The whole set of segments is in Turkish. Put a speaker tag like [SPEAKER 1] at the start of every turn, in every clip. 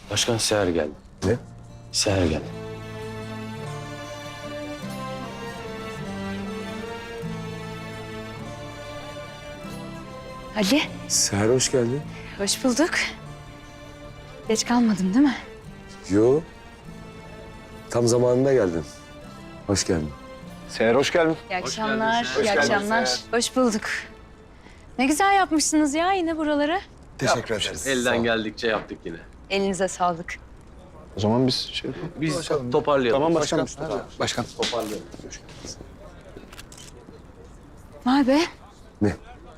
[SPEAKER 1] Başkan Seher geldi.
[SPEAKER 2] Ne?
[SPEAKER 1] Seher geldi.
[SPEAKER 3] Ali,
[SPEAKER 2] Seher hoş geldin.
[SPEAKER 3] hoş bulduk. Geç kalmadım değil mi?
[SPEAKER 2] Yo. Tam zamanında geldin. Hoş geldin.
[SPEAKER 4] Seher hoş geldin.
[SPEAKER 3] İyi akşamlar, iyi
[SPEAKER 4] geldin
[SPEAKER 3] akşamlar.
[SPEAKER 4] Seher.
[SPEAKER 3] Hoş bulduk. Ne güzel yapmışsınız ya yine buraları.
[SPEAKER 4] Teşekkür ederiz.
[SPEAKER 1] Elden geldikçe yaptık yine.
[SPEAKER 3] Elinize sağlık.
[SPEAKER 4] O zaman biz şey yapalım.
[SPEAKER 1] Biz toparlayalım.
[SPEAKER 4] Tamam başkanım. Başkan.
[SPEAKER 1] Toparlayalım.
[SPEAKER 3] Vay be.
[SPEAKER 2] Ne?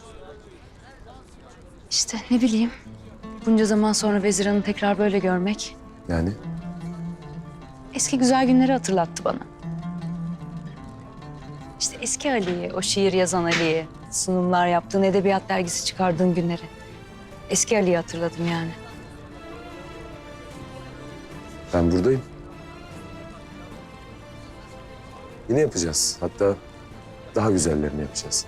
[SPEAKER 3] İşte ne bileyim. Bunca zaman sonra Vezir Hanım'ı tekrar böyle görmek
[SPEAKER 2] Yani?
[SPEAKER 3] eski güzel günleri hatırlattı bana. İşte eski Ali'yi, o şiir yazan Ali'yi, sunumlar yaptığın, edebiyat dergisi çıkardığın günleri. Eski Ali'yi hatırladım yani.
[SPEAKER 2] Ben buradayım. Yine yapacağız. Hatta daha güzellerini yapacağız.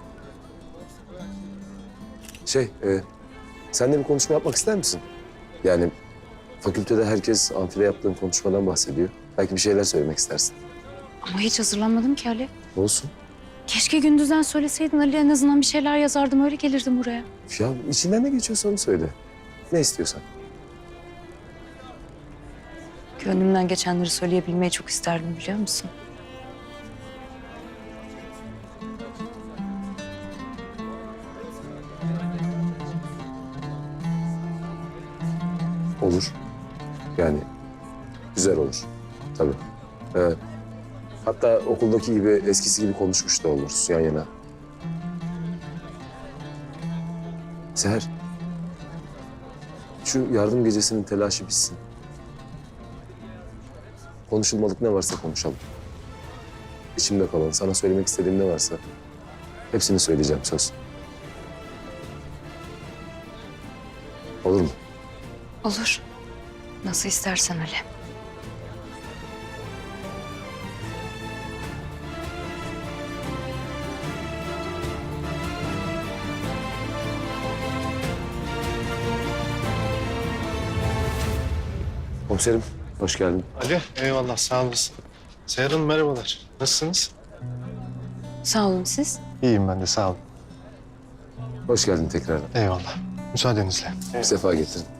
[SPEAKER 2] Sen de bir konuşma yapmak ister misin? Yani fakültede herkes amfide yaptığın konuşmadan bahsediyor. Belki bir şeyler söylemek istersin.
[SPEAKER 3] Ama hiç hazırlanmadım ki Ali.
[SPEAKER 2] Olsun.
[SPEAKER 3] Keşke gündüzden söyleseydin Ali, en azından bir şeyler yazardım, öyle gelirdim buraya.
[SPEAKER 2] Ya içinden ne geçiyorsa onu söyle. Ne istiyorsan.
[SPEAKER 3] Gönlümden geçenleri söyleyebilmeyi çok isterdim, biliyor musun?
[SPEAKER 2] Olur. Yani güzel olur. Tabii. Hatta okuldaki gibi, eskisi gibi konuşmuş da oluruz yan yana. Seher, şu yardım gecesinin telaşı bitsin. Konuşulmadık ne varsa konuşalım. İçimde kalan, sana söylemek istediğim ne varsa hepsini söyleyeceğim, söz. Olur mu?
[SPEAKER 3] Olur. Nasıl istersen Ali.
[SPEAKER 2] Komiserim, hoş geldin.
[SPEAKER 5] Ali, eyvallah sağ olasın. Seher Hanım merhabalar. Nasılsınız?
[SPEAKER 3] Sağ olun siz.
[SPEAKER 5] İyiyim ben de sağ olun.
[SPEAKER 2] Hoş geldin tekrardan.
[SPEAKER 5] Eyvallah. Müsaadenizle.
[SPEAKER 2] Bir sefa getirin.